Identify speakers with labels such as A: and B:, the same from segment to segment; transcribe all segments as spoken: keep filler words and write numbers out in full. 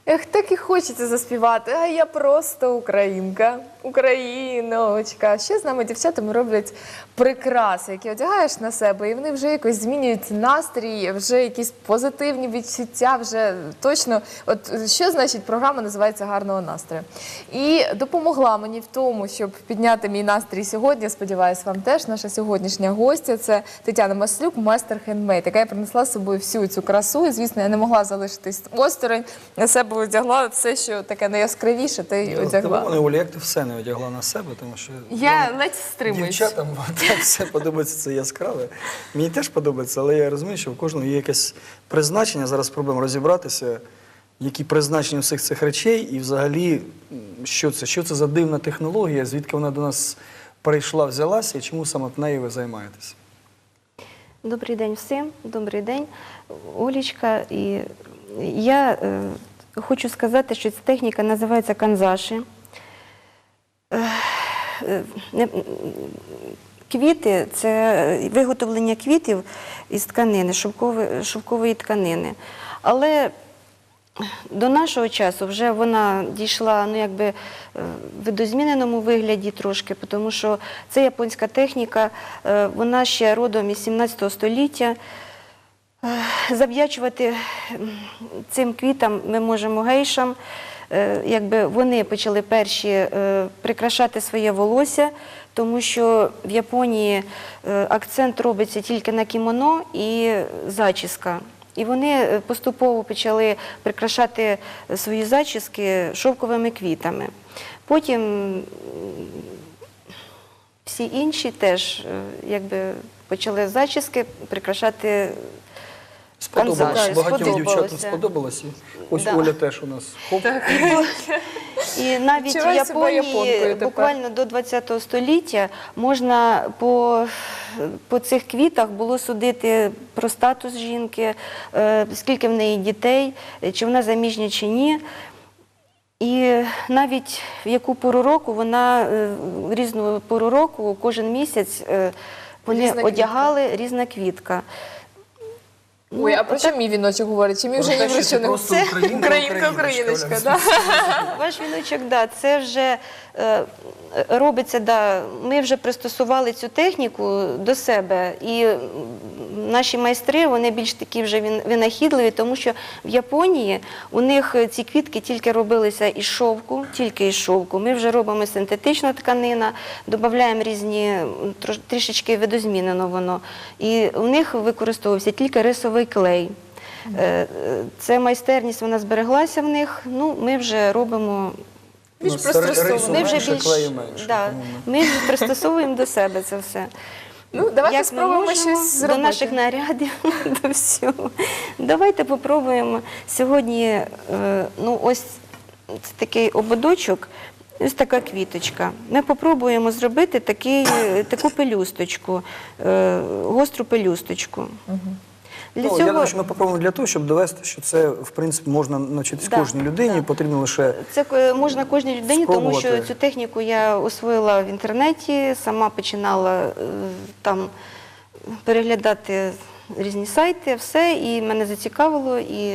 A: Ех, так і хочеться заспівати, а я просто українка, україночка. Ще з нами дівчатами роблять прикраси, які одягаєш на себе, і вони вже якось змінюють настрій, вже якісь позитивні відчуття, вже точно, от що значить програма називається «Гарного настрою». І допомогла мені в тому, щоб підняти мій настрій сьогодні, сподіваюся, вам теж, наша сьогоднішня гостя, це Тетяна Маслюк, майстер хендмейд, яка принесла з собою всю цю красу, і, звісно, я не могла залишитись осторонь, на себе одягла все, що таке найяскравіше, та й одягла.
B: Тому, Оля, як ти все не одягла на себе, тому що
A: Я ледь стримуюсь.
B: Дівчатам так все подобається, це яскраве. Мені теж подобається, але я розумію, що в кожного є якесь призначення. Зараз спробуємо розібратися, які призначення всіх цих речей і взагалі, що це, що це за дивна технологія, звідки вона до нас прийшла, взялася і чому саме нею ви займаєтеся.
C: Добрий день всім, добрий день, Олечка. І я е, хочу сказати, що ця техніка називається канзаші. Е, е, квіти – це виготовлення квітів із тканини, шовкової, шовкової тканини. Але до нашого часу вже вона дійшла, ну, якби, в видозміненому вигляді трошки, тому що це японська техніка, вона ще родом із сімнадцятого століття. Завдячувати цим квітам ми можемо гейшам. Якби вони почали перші прикрашати своє волосся, тому що в Японії акцент робиться тільки на кімоно і зачіска. І вони поступово почали прикрашати свої зачіски шовковими квітами. Потім всі інші теж якби почали зачіски прикрашати.
B: Сподобалося, багатьом
C: сподобалося.
B: дівчатам сподобалося. Ось
C: Да.
B: Оля теж у нас. Хоп.
C: І навіть в
A: Відчуваю себе японкою
C: Японії
A: тепер.
C: буквально до ХХ століття можна по, по цих квітах було судити про статус жінки, е, скільки в неї дітей, чи вона заміжня, чи ні. І навіть в яку пору року вона, е, в різну пору року, кожен місяць е, вони
A: Різна
C: одягали різна квітка.
A: Ой, а про що мій віночок говорить? Чи мій вже ні про що не
B: Просто
A: це
B: українка,
A: українка,
B: україночка,
A: україночка,
B: Оля.
A: да?
C: Ваш віночок, да, це вже е, робиться, да, ми вже пристосували цю техніку до себе, і наші майстри, вони більш такі вже винахідливі, тому що в Японії у них ці квітки тільки робилися із шовку, тільки із шовку. Ми вже робимо синтетична тканина, додаємо різні, трішечки видозмінено воно, і у них використовувався тільки рисовий клей. Це майстерність, вона збереглася в них, ну, ми вже робимо.
A: Більш
B: Ну, рису
A: пристосовано.
C: Ми вже
B: менше,
C: більш,
B: клею менше,
C: да,
B: тому
C: ми пристосовуємо до себе це все.
A: Ну, давайте
C: Як ми
A: спробуємо
C: можемо,
A: щось зробити.
C: до наших нарядів, до всього. Давайте попробуємо сьогодні, е, ну, ось це такий ободочок, ось така квіточка. Ми попробуємо зробити такий, таку пелюсточку, е, гостру пелюсточку. Для
B: Ну,
C: цього...
B: Я думаю, що ми попробуємо для того, щоб довести, що це, в принципі, можна навчитись
C: Да,
B: кожній людині,
C: да.
B: потрібно лише
C: Це е, можна кожній людині, тому що
B: спробувати.
C: цю техніку я освоїла в інтернеті, сама починала е, там переглядати різні сайти, все, і мене зацікавило. І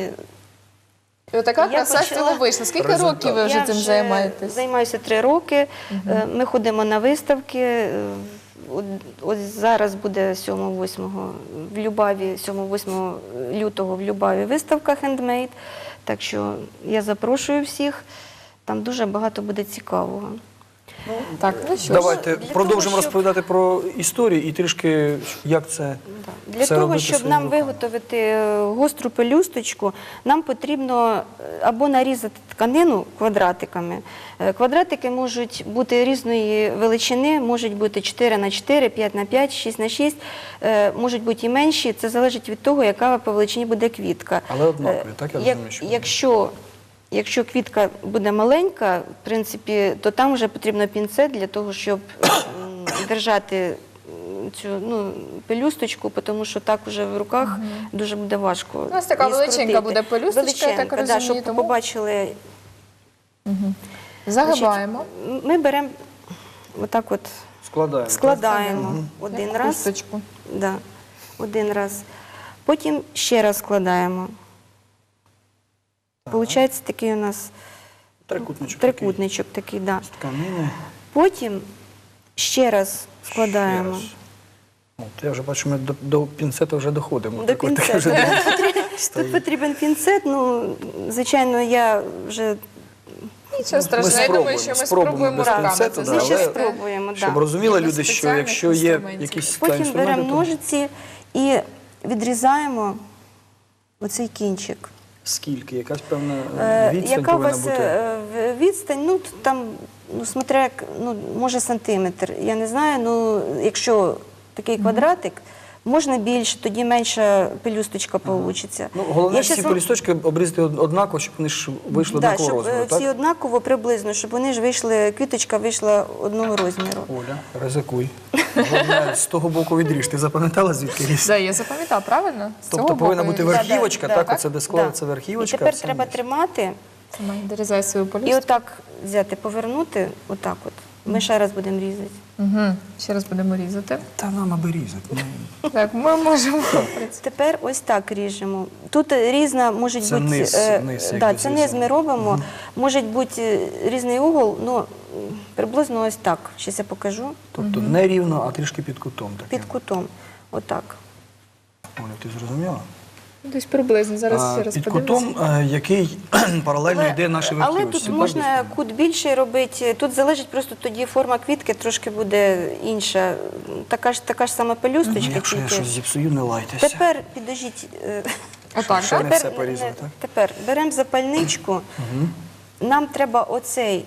A: І отака
C: Я
A: краса з
C: почала-
A: цього вийшла. Скільки
B: Результат.
A: років ви вже
C: я
A: цим займаєтесь?
C: займаюся три роки. Е, Ми ходимо на виставки. Е, от- Ось зараз буде сьомого-восьмого в Любаві, сьомого-восьмого лютого в Любаві виставка «Хендмейд». Так що я запрошую всіх. Там дуже багато буде цікавого.
A: Так, ну що ж.
B: давайте
C: для
B: продовжимо
C: того, щоб-
B: розповідати про історію і трішки, як це
C: Для
B: все
C: того,
B: робити
C: щоб
B: своїми
C: нам
B: руками.
C: виготовити е, гостру пелюсточку, нам потрібно е, або нарізати тканину квадратиками. Е, Квадратики можуть бути різної величини, можуть бути чотири на чотири, п'ять на п'ять, шість на шість, е, можуть бути і менші. Це залежить від того, яка по величині буде квітка.
B: Але однакові,
C: Е,
B: так я
C: як-
B: розумію, що
C: Якщо Якщо квітка буде маленька, в принципі, то там вже потрібно пінцет для того, щоб м, держати цю, ну, пелюсточку, тому що так вже в руках дуже буде важко.
A: У нас така
C: її
A: величенька
C: скрутити.
A: буде пелюсточка, я так
C: Величенька, да,
A: розумію,
C: щоб
A: тому-
C: побачили.
A: Загибаємо.
C: Значить, ми беремо отак от,
B: складаємо.
C: складаємо один
A: Як
C: раз,
A: хусточку.
C: да, один раз, потім ще раз складаємо. Получається такий у нас
B: Трикутничок.
C: трикутничок такий, да.
B: Такий, з тканини.
C: Потім ще раз складаємо.
B: Ще раз. От, я вже бачу, ми до, до пінцета вже доходимо.
C: До
B: Так от, таке
C: пінцету.
B: вже
C: Тут
B: стоїть.
C: потрібен пінцет, ну, звичайно, я вже
A: Нічого страшного, я думаю, що ми спробуємо
B: без
A: руками
B: пінцету,
A: це
B: да,
C: ми ще
B: але
A: зробити.
C: спробуємо.
B: Щоб
C: Да.
B: розуміли
A: Без
B: люди, що
A: спеціальних
B: якщо є
A: інструментів.
B: якісь та,
C: Потім
B: інструменти,
C: беремо
B: то
C: ножиці і відрізаємо оцей кінчик.
B: скільки? Якась певна
C: Е,
B: відстань
C: Яка у
B: повинна
C: вас
B: бути?
C: е, в- відстань? Ну, т- там, ну, смотря, як, ну, може сантиметр. Я не знаю, ну, якщо такий квадратик, можна більше, тоді менша пелюсточка получиться.
B: Ну, головне,
C: Я
B: всі
C: щас вам-
B: полісточки обрізати од- однаково, щоб вони ж вийшли
C: Да,
B: однакового
C: щоб е,
B: розміру,
C: всі
B: так?
C: однаково приблизно, щоб вони ж вийшли, квіточка вийшла одного розміру.
B: Оля, ризикуй. Головне, з того боку відріж. Ти запам'ятала, звідки ріс?
A: Да, я запам'ятала, правильно? З
B: Тобто
A: цього
B: повинна
A: боку
B: бути
A: і-
C: верх-
B: верхівочка,
C: Да, да,
B: так,
C: да.
B: оце де
C: Да.
B: складається верхівочка.
C: І тепер
B: все
C: треба
B: інше.
C: тримати
A: Тримай, дорізай свою
C: і
A: полюстку.
C: отак взяти, повернути, отак от. Ми ще раз будемо різати.
A: Угу. Ще раз будемо різати.
B: Та нам аби різати. ну.
A: Так, ми можемо.
C: Тепер ось так ріжемо. Тут різна може
B: Це
C: бути
B: низ,
C: е,
B: низ,
C: да,
B: якби
C: це
B: зі
C: низ
B: всього.
C: ми робимо. Може бути е, різний угол, ну м, приблизно ось так. Зараз я покажу.
B: Тобто не рівно, а трішки під кутом. Таким.
C: Під кутом. Отак.
B: Оля, ти зрозуміла?
A: Десь приблизно. Зараз
B: А,
A: ще раз
B: під
A: подивимося.
B: кутом, е, який паралельно йде нашій
C: але
B: верхівочці.
C: тут можна кут більший робити. Тут залежить просто тоді форма квітки трошки буде інша. Така ж така ж сама пелюсточка.
B: Ну, якщо я
C: тільки.
B: щось зіпсую, не лайтеся.
C: Тепер підожіть. е,
A: Отак,
B: Ще
A: так?
B: не
C: Тепер,
B: все порізано,
C: не-
B: так?
C: тепер беремо запальничку. Нам треба оцей,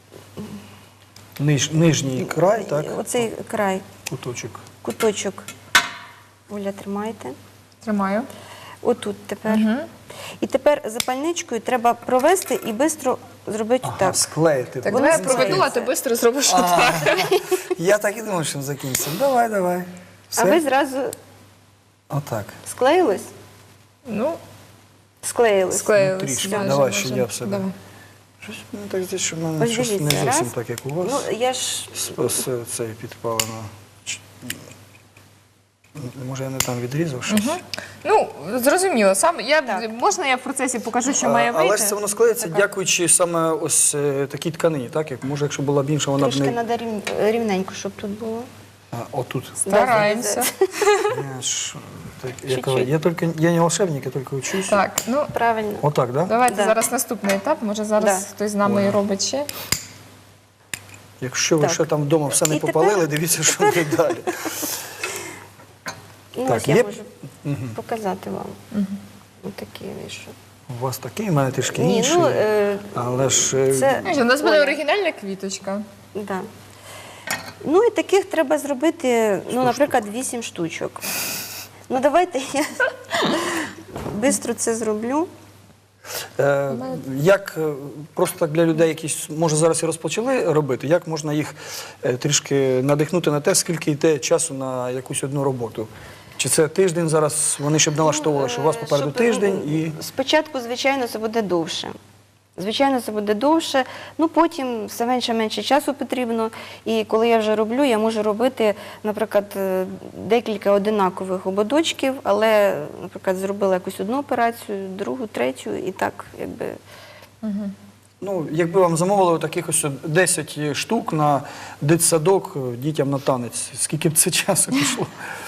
B: Ниж, нижній край, так?
C: оцей край,
B: Куточок.
C: куточок. Оля, тримайте.
A: Тримаю.
C: Отут тепер. І тепер запальничкою треба провести і швидко зробити
B: Ага,
C: так.
B: склеїти.
A: Так,
C: Воно
A: давай я проведу, а
C: здається.
A: ти швидко зробиш отак.
B: Я так і думав, що закінчиться. Давай, давай. Все?
C: А ви зразу
B: Отак.
C: склеїлись?
A: Ну,
C: Склеїлись.
A: склеїлись.
B: Ну, трішки.
A: майже,
B: Давай,
A: майже.
B: ще я в себе.
A: Давай.
B: Щось мені так здається, що в мене
C: Ось
B: щось не
C: дивіться,
B: зовсім
C: раз.
B: так, як у вас.
C: Ну, я ж
B: З- з- Це підпалено. Ч- Може, я не там відрізав щось?
A: Ну, зрозуміло. Сам я
C: Так.
A: можна я в процесі покажу, що
B: А,
A: має вийти?
B: Але ж це воно склеїться, дякуючи саме ось е, такій тканині, так? Як, може, якщо була б інша, вона б
C: трошки
B: не...
C: треба рівненько, щоб тут було.
B: А, отут.
A: Стараємося.
B: Я, ж, так, я, кажу, я, тільки, я не волшебник, я тільки учусь.
A: Так, ну
C: Правильно.
B: Отак, так? Да?
A: давайте
C: Да.
A: зараз наступний етап. Може зараз
C: Да.
A: хтось з нами і робить ще.
B: Якщо ви
C: Так.
B: ще там вдома все не
C: І тепер-
B: попалили, дивіться, що буде далі.
C: Ну,
B: Так,
C: ось я
B: є?
C: можу показати вам. Ось такий вийшов.
B: У вас такий, у мене трішки
C: Ні,
B: інший.
C: ну, е,
B: але ж е,
C: це...
A: Знаєш, У нас буде
C: Оля.
A: оригінальна квіточка.
C: Да. Ну і таких треба зробити, ну, наприклад, вісім штучок. Ну давайте я швидко це зроблю.
B: Е, як е, просто так для людей, які може зараз і розпочали робити, як можна їх е, трішки надихнути на те, скільки йде часу на якусь одну роботу? Чи це тиждень зараз, вони щоб налаштовували, що у вас
C: Е,
B: попереду
C: щоб,
B: тиждень
C: ну,
B: і
C: Спочатку, звичайно, це буде довше. Звичайно, це буде довше, ну потім все менше-менше часу потрібно. І коли я вже роблю, я можу робити, наприклад, е, декілька одинакових ободочків, але, наприклад, зробила якусь одну операцію, другу, третю, і так, якби.
B: ну, якби вам замовили таких ось десять штук на дитсадок е, дітям на танець, скільки б це часу пішло?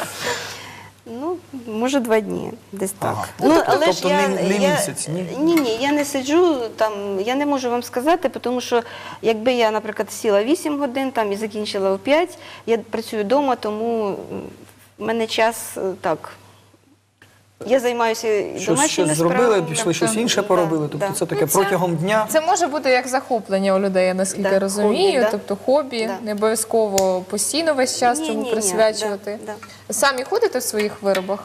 C: Ну, може, два дні, десь так.
B: Ага.
C: Ну,
B: Тобто-
C: але ж
B: тобто
C: я,
B: не- не
C: я,
B: місяць, ні?
C: Ні, ні, я не сиджу там, я не можу вам сказати, тому що якби я, наприклад, сіла вісім годин там і закінчила о п'ять, я працюю вдома, тому м, в мене час е, так. Я займаюся і
B: Щось,
C: домашніми
B: щось зробили,
C: справами.
B: пішли щось
C: Да,
B: інше
C: да,
B: поробили, тобто
C: да.
B: це таке
A: Ну, це-
B: протягом дня.
A: Це може бути як захоплення у людей, я наскільки
C: Да,
A: розумію.
C: хобі, да.
A: Тобто хобі,
C: Да.
A: не обов'язково постійно весь час
C: Ні,
A: цьому
C: ні, ні,
A: присвячувати.
C: да,
A: Самі ходите в своїх виробах?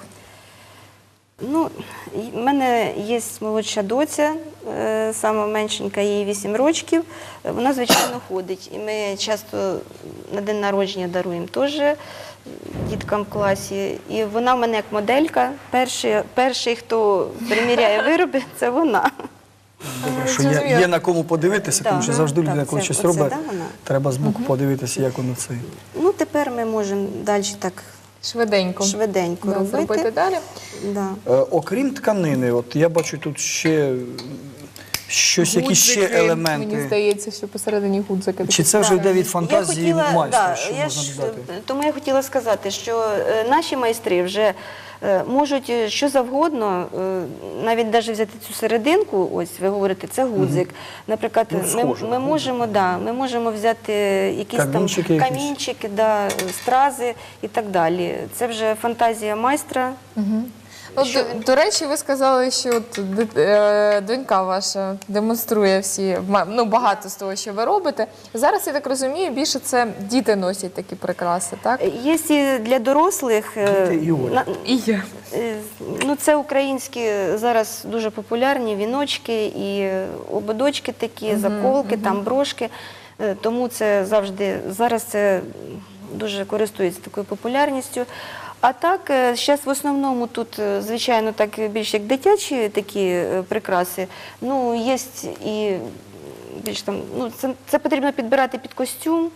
C: Ну, в мене є молодша доця, е, сама меншенька, їй вісім років. Е, Вона, звичайно, ходить. І ми часто на день народження даруємо теж діткам в класі. І вона в мене як моделька. Перший, перший хто приміряє вироби, це вона.
B: Добре, що
A: Зрозуміло.
B: є, є на кому подивитися,
C: Да.
B: тому що завжди
C: Так,
B: людина, коли
C: це-
B: щось
C: оце,
B: робить,
C: да, вона?
B: треба збоку подивитися, як воно це.
C: Ну, тепер ми можемо далі так
A: Швиденько.
C: швиденько
A: Да,
C: робити.
A: зробити далі.
C: Да.
B: Е, окрім тканини, от я бачу тут ще щось, якісь ще
A: Гудзики,
B: елементи.
A: Мені здається, що посередині гудзики.
B: Чи це вже йде від фантазії
C: я хотіла,
B: майстра,
C: да,
B: що
C: я
B: можна
C: ж,
B: додати?
C: тому я хотіла сказати, що е, наші майстри вже е, можуть е, що завгодно, е, навіть навіть взяти цю серединку, ось ви говорите, це гудзик. Наприклад,
B: Ну,
C: ми,
B: схоже
C: ми,
B: на
C: можемо, да, ми можемо взяти якісь
B: Камінчики
C: там
B: якісь.
C: камінчики, да, стрази і так далі. Це вже фантазія майстра.
A: Ну,
C: Що-
A: до, до речі, ви сказали, що от, ди- е, донька ваша демонструє всі, ма- ну, багато з того, що ви робите. Зараз, я так розумію, більше це діти носять такі прикраси, так?
C: Є і для дорослих. е,
B: Діти і Оля.
C: на-
A: І я.
C: Е, Ну, це українські зараз дуже популярні віночки і ободочки такі, заколки, там брошки. Е, Тому це завжди, зараз це дуже користується такою популярністю. А так, зараз в основному тут, е, звичайно, так більш як дитячі такі е, прикраси. Ну, є і більш там, ну, це, це потрібно підбирати під костюм,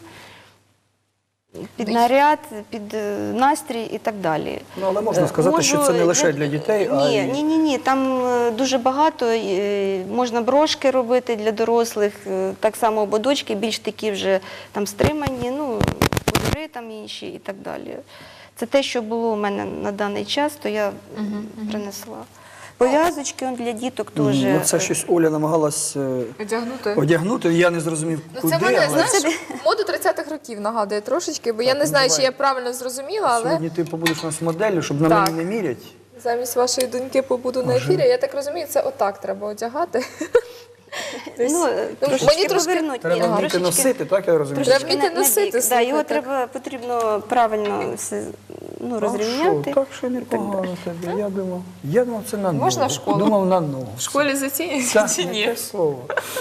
C: під наряд, під е, настрій і так далі.
B: Ну, але можна сказати, що це не лише для дітей, а
C: ні,
B: й-
C: ні, ні, ні. Там е, дуже багато. е, Можна брошки робити для дорослих, е, так само ободочки, більш такі вже там стримані, ну, кольори там інші і так далі. Це те, що було у мене на даний час, то я принесла. Пов'язочки он для діток теж.
B: Ну, це щось Оля намагалась е,
A: Одягнути.
B: одягнути, я не зрозумів,
A: Ну,
B: куди,
A: це мене,
B: але
A: знаєш, моду тридцятих років нагадує трошечки, бо я не
B: ну,
A: знаю,
B: давай.
A: чи я правильно зрозуміла, але
B: сьогодні ти побудеш у нас моделлю, щоб на
A: Так.
B: мені не мірять.
A: замість вашої доньки побуду на ефірі. Я так розумію, це отак треба одягати. Десь-
C: Ну,
A: ну,
C: трошечки
A: мені трошки
C: повернути.
B: Треба
C: Ні,
B: вміти
C: трошечки-
B: носити, так я розумію?
A: Треба
C: трошечки
A: вміти
C: на-
A: носити,
C: на бік. Да, його
A: слухайте.
C: треба, потрібно правильно все, ну,
B: А
C: розрівняти.
B: що, так що непогано тобі. Я думав, я думав, це на ногу.
A: Можна в школу?
B: Думав на ногу.
A: В школі зацінюється
B: Так,
A: чи
B: не
A: ні?
B: те слово.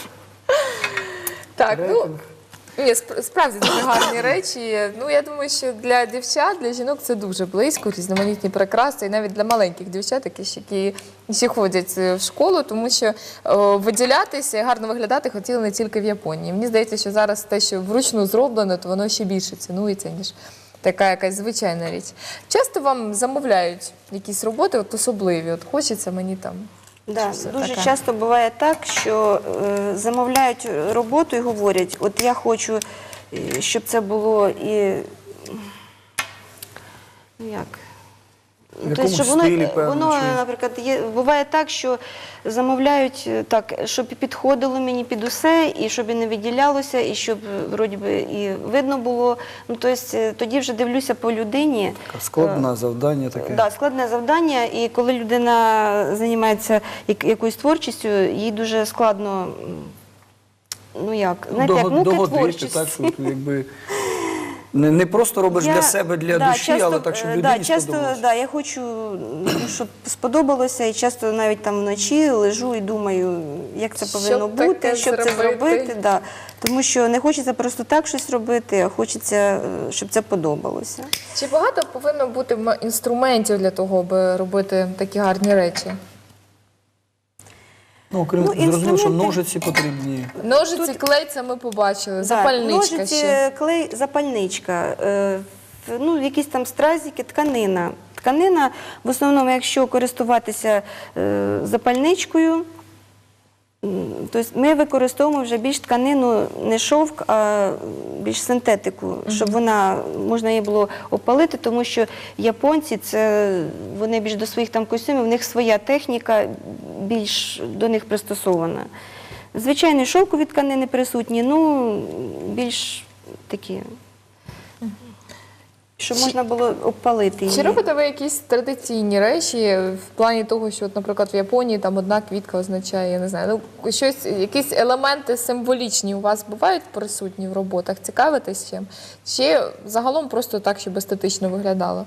A: Так, ну
B: Рейтинг.
A: ні, сп- справді дуже гарні речі. Ну я думаю, що для дівчат, для жінок це дуже близько, різноманітні прикраси, і навіть для маленьких дівчат, які ще, які ще ходять е, в школу, тому що о, виділятися і гарно виглядати хотіли не тільки в Японії. Мені здається, що зараз те, що вручну зроблено, то воно ще більше цінується, ніж така якась звичайна річ. Часто вам замовляють якісь роботи, от особливі, от хочеться мені там.
C: Да,
A: Щось
C: дуже
A: таке.
C: часто буває так, що е, замовляють роботу і говорять, от я хочу, е, щоб це було і ну як.
B: В
C: Тобто,
B: якомусь
C: щоб воно,
B: стилі, певно,
C: воно
B: чи-
C: наприклад, є, буває так, що замовляють е, так, щоб і підходило мені під усе, і щоб і не виділялося, і щоб е, вроді би і видно було. Ну, тобто, е, тоді вже дивлюся по людині.
B: Така Складне завдання таке.
C: Да, складне завдання, і коли людина займається як- якоюсь творчістю, їй дуже складно, м, ну як, знаєте, як
B: Дого-
C: муки
B: догодити,
C: творчості.
B: так, що ти якби не, не просто робиш
C: Я-
B: для себе, для
C: да,
B: душі,
C: часто,
B: але так, щоб
C: е,
B: людині
C: да, часто,
B: сподобалося.
C: да, я хочу, ну, щоб сподобалося, і часто навіть там вночі лежу і думаю, як це
A: Що
C: повинно
A: таке
C: бути, щоб це
A: зробити?
C: зробити. Да. Тому що не хочеться просто так щось робити, а хочеться, е, щоб це подобалося.
A: Чи багато повинно бути м- інструментів для того, аби робити такі гарні речі?
B: Ну, окрім
C: Ну,
B: зрозуміло, що
C: інструменти-
B: ножиці потрібні.
A: Ножиці, клей, це ми побачили,
C: Да,
A: запальничка
C: ножиці,
A: ще.
C: клей, запальничка, е, в- ну, якісь там стразики, тканина. Тканина, в основному, якщо користуватися е, запальничкою, м, тобто ми використовуємо вже більш тканину, не шовк, а більш синтетику, щоб вона, можна її було опалити, тому що японці, це, вони більш до своїх там костюмів, у них своя техніка більш до них пристосована. Звичайні шовкові тканини присутні, ну, більш такі, щоб
A: Чи-
C: можна було обпалити її.
A: Чи робите ви якісь традиційні речі в плані того, що, от, наприклад, в Японії там одна квітка означає, я не знаю, ну щось, якісь елементи символічні у вас бувають присутні в роботах? Цікавитесь чим? Чи загалом просто так, щоб естетично виглядало?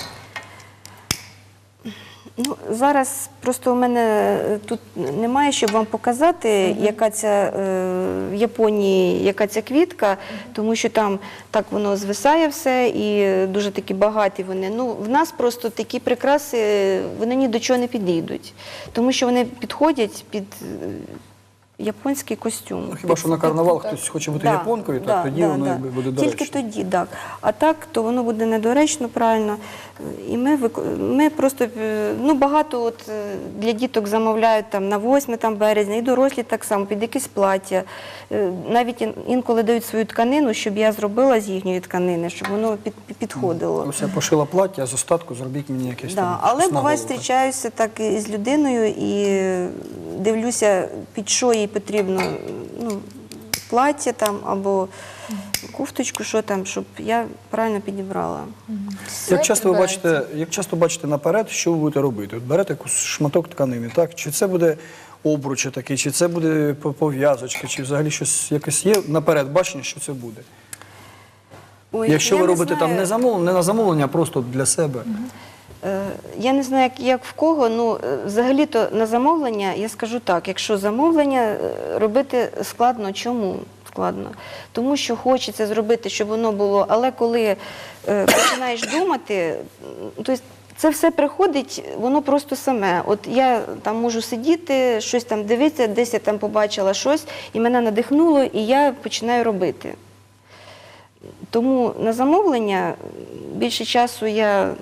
C: Ну, зараз просто у мене е, тут немає, щоб вам показати, яка ця е, в Японії, яка ця квітка, тому що там так воно звисає все і дуже такі багаті вони. Ну, в нас просто такі прикраси, вони ні до чого не підійдуть, тому що вони підходять під е, японський костюм.
B: Ну, хіба що на карнавал
A: так.
B: хтось хоче бути
C: Да,
B: японкою,
C: да,
B: так тоді
C: да,
B: воно
C: да.
B: якби буде доречно.
C: Тільки тоді, так. А так, то воно буде недоречно, правильно. І ми, вик- ми просто, е, ну, багато от е, для діток замовляють там на восьме там, березня, і дорослі так само, під якісь плаття. Е, Навіть ін- інколи дають свою тканину, щоб я зробила з їхньої тканини, щоб воно під, підходило.
B: Ось я пошила плаття, а з остатку зробіть мені якесь
C: Да,
B: там.
C: але
B: щось на
C: буває,
B: голову.
C: зустрічаюся так і з людиною і дивлюся, під що їй потрібно, ну, плаття там або кофточку, що там, щоб я правильно підібрала.
B: Як часто ви
A: підбирається.
B: бачите, як часто бачите наперед, що ви будете робити? От берете якийсь шматок тканини, так? Чи це буде обруч такий, чи це буде по- пов'язочка, чи взагалі щось якесь є наперед бачення, що це буде?
C: Ой,
B: Якщо
C: я
B: ви
C: не
B: робите там
C: знаю.
B: не замовлення, не на замовлення, а просто для себе.
C: Е, Я не знаю, як, як в кого, ну е, взагалі-то на замовлення, я скажу так, якщо замовлення е, робити складно, чому складно? Тому що хочеться зробити, щоб воно було, але коли е, починаєш думати, м, то есть це все приходить, воно просто саме. От я там можу сидіти, щось там дивитися, десь я там побачила щось, і мене надихнуло, і я починаю робити. Тому на замовлення більше часу я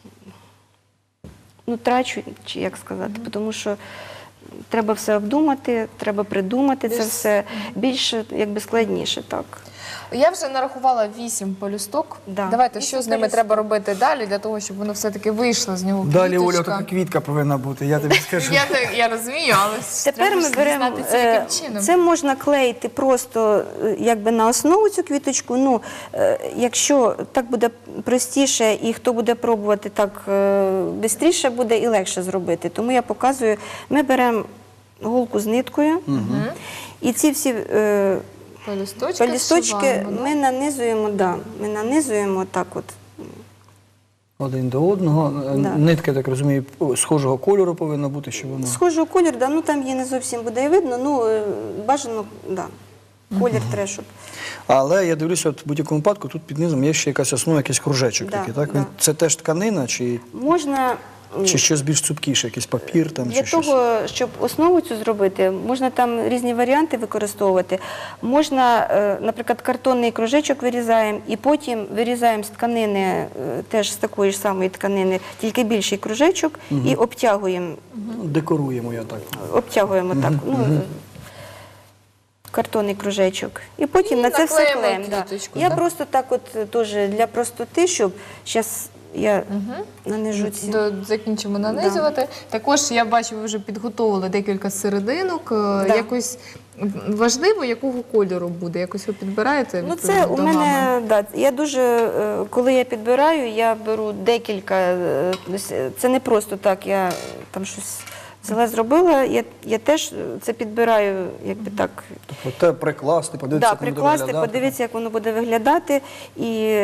C: ну, трачу, чи як сказати, тому що треба все обдумати, треба придумати це
A: Більш-
C: все. Більше, якби складніше, так.
A: Я вже нарахувала вісім полюсток.
C: Да.
A: Давайте,
C: Вісім
A: що з ними
C: полюсток.
A: треба робити далі, для того, щоб воно все-таки вийшло з нього
B: Далі, Оля,
A: квіточка.
B: така квітка повинна бути, я тобі скажу.
A: Я, так- я розумію, але ж
C: Тепер
A: треба
C: ми
A: ж
C: беремо,
A: дізнатися,
C: е,
A: яким чином.
C: це можна клеїти просто е, якби на основу цю квіточку. Ну, е, якщо так буде простіше і хто буде пробувати так швидше буде і легше зробити. Тому я показую, ми беремо голку з ниткою і ці всі е,
A: Пелюсточки,
C: пелюсточки
A: зшиваємо, да?
C: ми нанизуємо, да, ми нанизуємо так от.
B: Один до одного.
C: Да.
B: Нитка, я так розумію, схожого кольору повинна бути, щоб воно.
C: Схожого кольору, да, ну там її не зовсім буде і видно, ну е, бажано, да, колір треба, щоб.
B: Але я дивлюся, от в будь-якому випадку тут під низом є ще якась основа, якийсь кружечок
C: Да,
B: такий, так?
C: да.
B: Він- Це теж тканина, чи,
C: Можна м,
B: чи щось більш цупкіше, якийсь папір там,
C: для
B: чи щось?
C: того, щоб основу цю зробити, можна там різні варіанти використовувати. Можна, е, наприклад, картонний кружечок вирізаємо і потім вирізаємо з тканини, е, теж з такої ж самої тканини, тільки більший кружечок і обтягуємо,
B: Ну, декоруємо я так.
C: обтягуємо так. Ну, картонний кружечок. І потім
A: І
C: на це все
A: наклеїмо
C: клеїмо. Да.
A: квіточку,
C: Я
A: да?
C: просто так от е, теж для простоти, щоб зараз я нанижу ці.
A: До, закінчимо нанизувати. Також я бачу, ви вже підготовили декілька серединок. Да. Якось важливо, якого кольору буде? Якось ви підбираєте?
C: Ну,
A: відповідно
C: це у
A: до
C: мене,
A: гами?
C: да, я дуже, е, коли я підбираю, я беру декілька, е, ось, е, це не просто так, я там щось взяла, зробила, я, я теж це підбираю, якби так,
B: Тобто те прикласти, подивитися,
C: да,
B: як воно буде
C: прикласти,
B: виглядати.
C: подивитися, як воно буде виглядати, і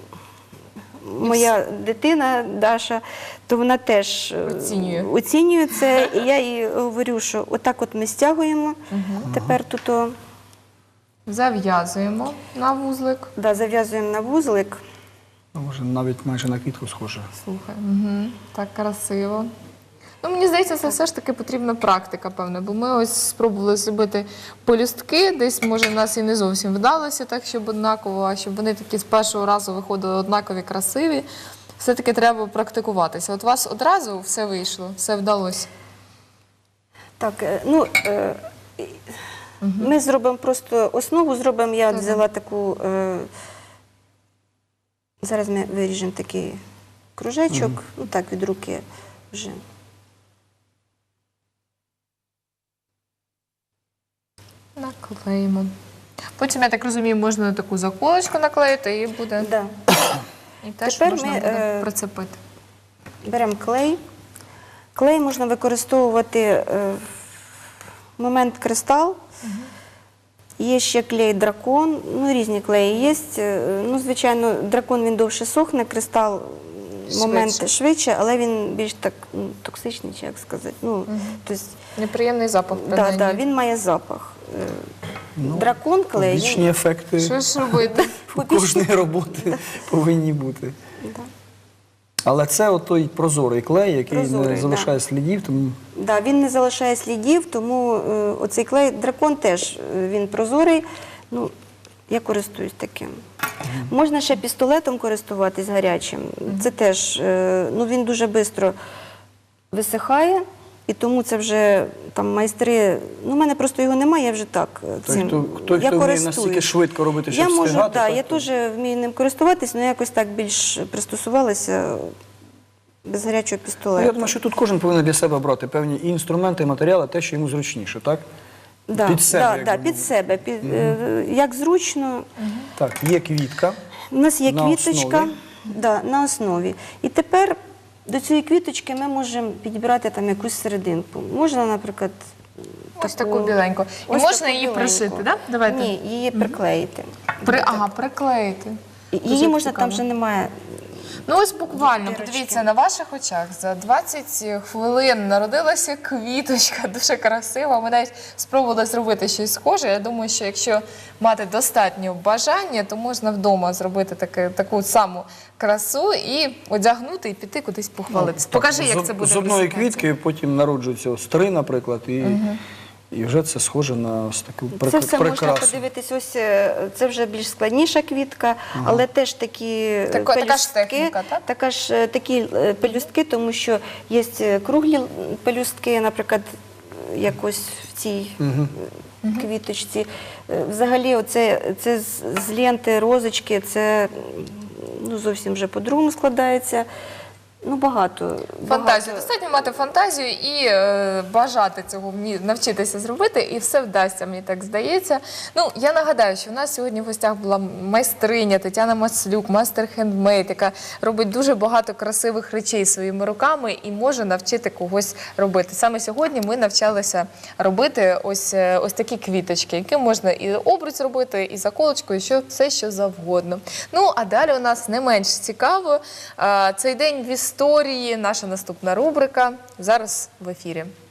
C: моя дитина Даша, то вона теж е,
A: Оцінює.
C: оцінює це, і я їй говорю, що отак от ми стягуємо, тепер тут о,
A: Зав'язуємо на вузлик.
C: да, зав'язуємо на вузлик.
B: Ну, може, навіть майже на квітку схоже.
A: Слухай, угу. Так красиво. Ну, мені здається, це все ж таки потрібна практика, певно, бо ми ось спробували зробити полюстки, десь, може, в нас і не зовсім вдалося так, щоб однаково, а щоб вони такі з першого разу виходили однакові, красиві. Все-таки треба практикуватися. От у вас одразу все вийшло, все вдалося.
C: Так, е, ну, е, ми зробимо просто основу, зробимо, я
A: Так.
C: взяла таку, е, зараз ми виріжемо такий кружечок, ну так, від руки вже.
A: Наклеїмо. Потім, я так розумію, можна таку заколочку наклеїти і буде.
C: Да.
A: І теж
C: Тепер
A: можна
C: ми,
A: буде
C: е,
A: прицепити.
C: Беремо клей. Клей можна використовувати е, в момент кристал. Є ще клей дракон, ну різні клеї є. Е, Ну, звичайно, дракон він довше сохне, кристал момент
A: Швидше.
C: швидше, але він більш так ну, токсичний, чи як сказати. Ну, тобто,
A: Неприємний запах.
C: да,
A: принаймні.
C: да, він має запах. Е,
B: Ну,
C: дракон клей. він-
B: Побічні ефекти
A: Що ж робити?
B: у кожної роботи повинні бути.
C: Да.
B: Але це от той прозорий клей, який
C: Прозорий,
B: не
C: да.
B: залишає слідів, тому
C: Да, він не залишає слідів, тому е, оцей клей дракон теж е, він прозорий. Ну, я користуюсь таким. Можна ще пістолетом користуватись гарячим. Це теж, е, ну він дуже швидко висихає, і тому це вже там майстри. Ну, в мене просто його немає, я вже так е,
B: той,
C: цим.
B: хто, той,
C: я
B: хто вміє
C: користуюсь.
B: настільки швидко робити, щоб
C: Я можу,
B: встигати.
C: да,
B: так,
C: я
B: то-
C: теж вмію ним користуватись, але якось так більш пристосувалася без гарячого
B: Ну,
C: пістолету.
B: я думаю, що тут кожен повинен для себе брати певні і інструменти, і матеріали, те, що йому зручніше, так?
C: Да,
B: Під себе,
C: да,
B: як
C: да,
B: би
C: під
B: мовити.
C: себе. Під, е, як зручно.
B: Так, є квітка.
C: У нас є
B: На
C: квіточка
B: основі.
C: да, на основі. І тепер до цієї квіточки ми можемо підібрати там якусь серединку. Можна, наприклад,
A: Ось таку біленьку. І
C: ось
A: можна
C: таку
A: її
C: біленьку.
A: пришити, так? Давайте.
C: Ні, її приклеїти.
A: При... Ага, приклеїти.
C: Її
A: Дуже
C: можна,
A: цікаво.
C: там вже немає.
A: Ну ось буквально,
C: Дірочки.
A: подивіться, на ваших очах за двадцять хвилин народилася квіточка, дуже красива. Ми навіть спробували зробити щось схоже. Я думаю, що якщо мати достатньо бажання, то можна вдома зробити таке, таку саму красу і одягнути і піти кудись похвалитися. Покажи, як
B: Ну, З-
A: це буде.
B: З одної
A: виглядати.
B: квітки потім народжуються ось три, наприклад, і, і вже це схоже на ось таку прик-
C: Це все можна
B: прикрасу.
C: подивитись, ось е, це вже більш складніша квітка, але теж такі е,
A: Така- така ж
C: пелюстки,
A: техніка, так?
C: така ж е, такі е, пелюстки, тому що є е, круглі м, пелюстки, наприклад, якось в цій е, квіточці. Е, Взагалі, оце, це з, з ленти розочки, це м, ну, зовсім вже по-другому складається. Ну, багато.
A: Фантазію.
C: багато.
A: Достатньо мати фантазію і е, бажати цього вмі- навчитися зробити, і все вдасться, мені так здається. Ну, я нагадаю, що в нас сьогодні в гостях була майстриня Тетяна Маслюк, мастер хендмейд, яка робить дуже багато красивих речей своїми руками і може навчити когось робити. Саме сьогодні ми навчалися робити ось, е, ось такі квіточки, які можна і обруч зробити, і заколочку, і що, все, що завгодно. Ну, а далі у нас не менш цікаво. Е, Цей день в історії, наша наступна рубрика, зараз в ефірі.